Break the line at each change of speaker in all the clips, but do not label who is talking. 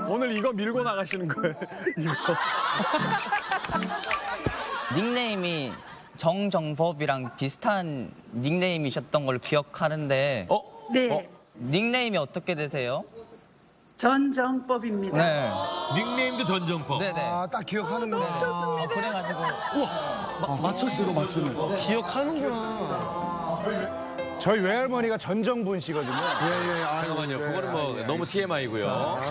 오늘 이거 밀고 나가시는 거예요? 이거.
닉네임이 정정법이랑 비슷한 닉네임이셨던 걸로 기억하는데
네,
닉네임이 어떻게 되세요?
전정법입니다.
네.
닉네임도 전정법.
네네.
아, 딱 기억하는구나.
그래가지고
맞췄어, 맞췄네.
기억하는구나.
저희 외할머니가 전정분 씨거든요. 예, 예.
잠깐만요. 그거는 뭐 너무 TMI고요.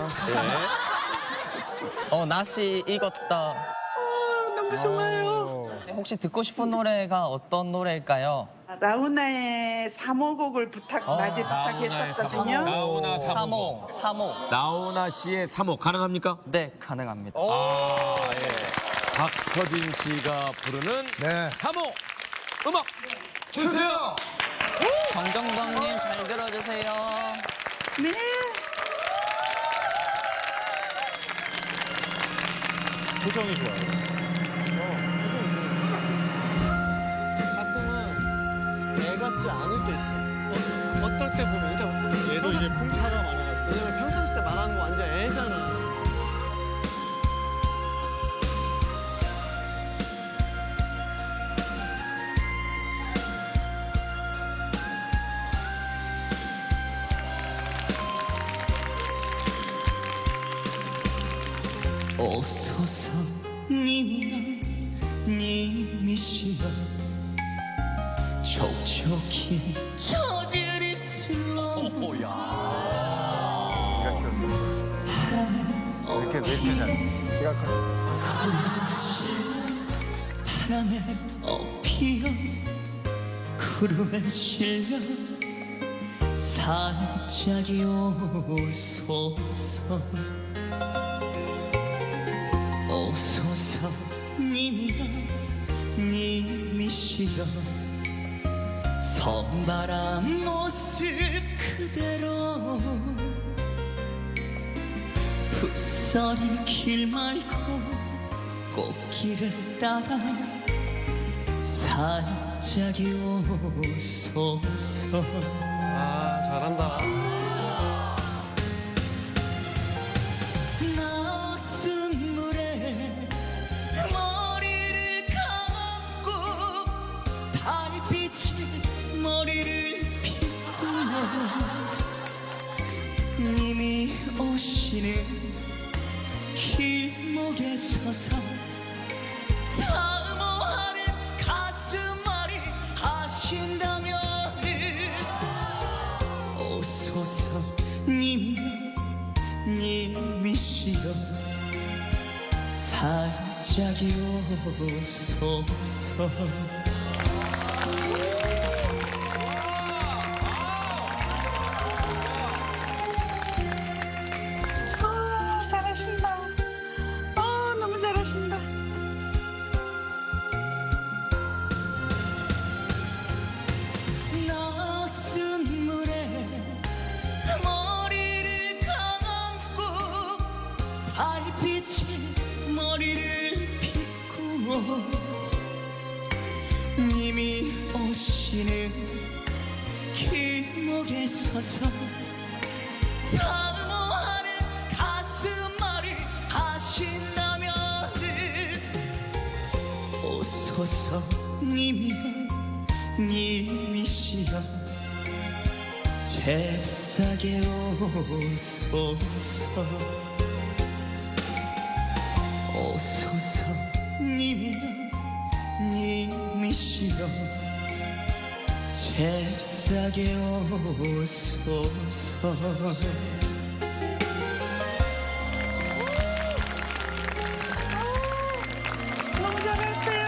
낯이 익었다.
너무 좋아요.
혹시 듣고 싶은 노래가 어떤 노래일까요?
라우나의 3호곡을 낮에 부탁했었거든요.
나훈아 3호.
3호.
나훈아 씨의 3호 가능합니까?
네, 가능합니다.
아, 예. 박서진 씨가 부르는
네.
3호 음악 주세요.
정정덕님 잘 들어주세요.
네.
표정이 좋아요.
가끔은 애 같지 않을 때 있어. 어떨 때 보면, 그러니까
얘도 이제 풍파가 많아가지고.
왜냐면 평상시 때 말하는 거 완전 애잖아.
오소서 님이여 님이시여 촉촉히 저질이 슬러
이렇게 잘.
바람에 엎이어 구름에 실려 살짝이 오소서 오소서 님이여 님이시여 선바람 모습 그대로 풋서린 길 말고 꽃길을 따라 살짝이 오소서
아, 잘한다.
낮은 물에 머리를 감고 달빛이 머리를 비꾸며 님이 오시는 길목에 서서 사모하는 가슴앓이 하신다면 오소서 님이여 님이시여 살짝이 오소서
잘하신다. 너무 잘하신다.
낮은 물에 머리를 감고 달빛이 머리를 비꾸어 님이 오시는 길목에 서서 사모하는 가슴앓이 하신다면 오소서 님이여 님이시여 잽싸게 오소서 오소서 님이여 님이시여 잽싸게 오소서
너무 잘했어요.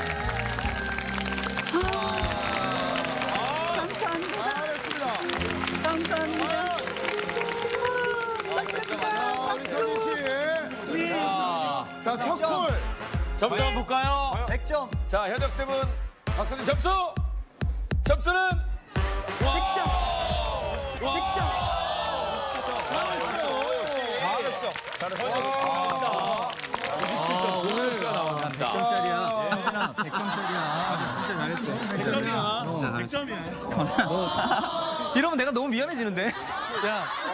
감사합니다.
잘했습니다.
감사합니다.
자, 첫 콜.
점수 한번 볼까요?
100점.
자, 현역쌤은 박서진 점수. 점수는
100점. 100점.
잘했어. 잘했어. 오늘 나왔습니다.
100점짜리야. 100점짜리야. 진짜 잘했어. 100점이야. 100점이야.
이러면 내가 너무 미안해지는데.
야,